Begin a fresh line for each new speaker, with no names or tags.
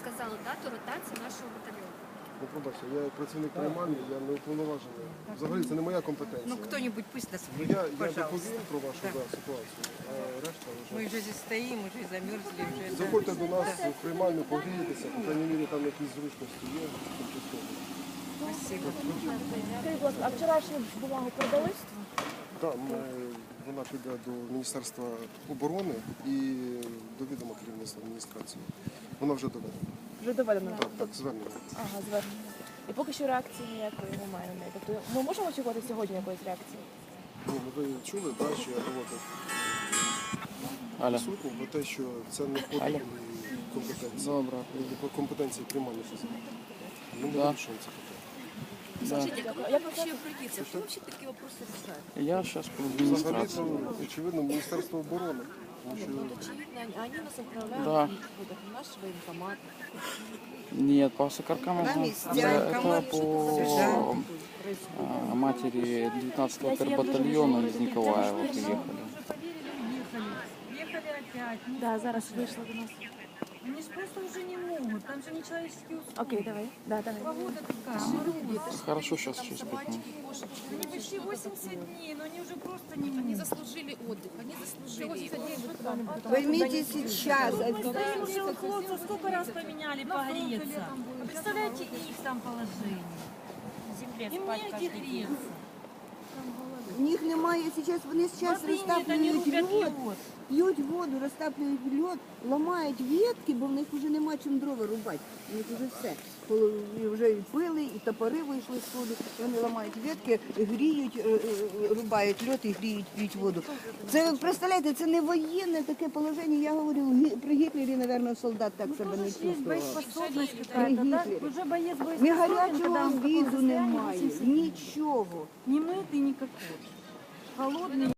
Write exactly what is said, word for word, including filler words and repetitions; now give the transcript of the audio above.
сказали дату ротації нашого батальйону.
Ну, пробачте, я як працівник приймальні, я не уповноважений. Взагалі це не моя компетенція.
Ну, кто-нибудь пусть нас
Ну, я, я
пожалуйста.
доповім про вашу
Да.
да, ситуацію, а решта вже.
Мы уже здесь стоим, уже замерзли, уже... да.
Заходьте до нас в приймальню, погрієтеся, по крайній мірі там якісь зручності є. тимчасово.
Спасибо.
Скажіть, будь ласка, а вчорашню бумагу продали?
Так, ми, вона піде до Міністерства оборони і до відома керівництва адміністрації. Вона вже доведена.
Вже доведено.
Так, так, звернення.
Ага, звернення. І поки що реакції ніякої немає на неї. Тобто ми можемо очікувати сьогодні якоїсь реакції?
Ну, ви чули, так, що я доводив присутнім про те, що це не входить в компетенції.
Добре.
По компетенції приймальних осіб. Ми не
Да.
вирішуємо це питання.
Скажите, как вы вообще обратиться? Кто вообще такие вопросы решает?
Я сейчас по
Взагалі,
администрации.
це, очевидно, Міністерство оборони. Тому що
Ну, очевидно, они, они нас отправляют
Да.
вот, в наш военкомат.
Нет, по Сокаркам я
Там
знаю.
есть
Это, это
военкомат,
по
сержант.
а, матери девятнадцатого тербатальона из Николаева приехали.
Уже поверили, уехали. Ехали опять. Ну,
Да, зараз вийшла до нас.
Они же просто уже не могут. Там же нечеловеческие условия.
Окей, давай. Да, давай.
Погода такая.
Хорошо, сейчас через пять минут.
Они почти восемьдесят дней, но они уже просто не
Они
могут.
заслужили отдых, они заслужили его.
Поймите сейчас,
Стоим уже у хлопцев, сколько раз поменяли погреться. Вы представляете их там положение? Им негде греться.
У них немає зараз, вони зараз
Смотри, нет, они
розтаплюють
рубят
льод,
лед.
п'ють воду, розтаплюють льод, ламають ветки, бо в них вже нема чим дрова рубати. У них вже все. Коли і вже і пили, і топори вийшли з ходу, і вони ламають ветки, гріють, е, е, рубають льод і гріють, п'ють воду. Це, ви представляєте, це не воєнне таке положення. Я говорю, гі- при Гітлері, мабуть, солдат так себе не
Есть
чувствував.
боеспособность
При
какая-то, да?
Гітлері.
Уже боец
Ні
боеспособен,
гарячого
когда он в таком
обіду
состоянии
немає,
восемьдесят дней.
нічого.
Не мытый никакой. Холодный.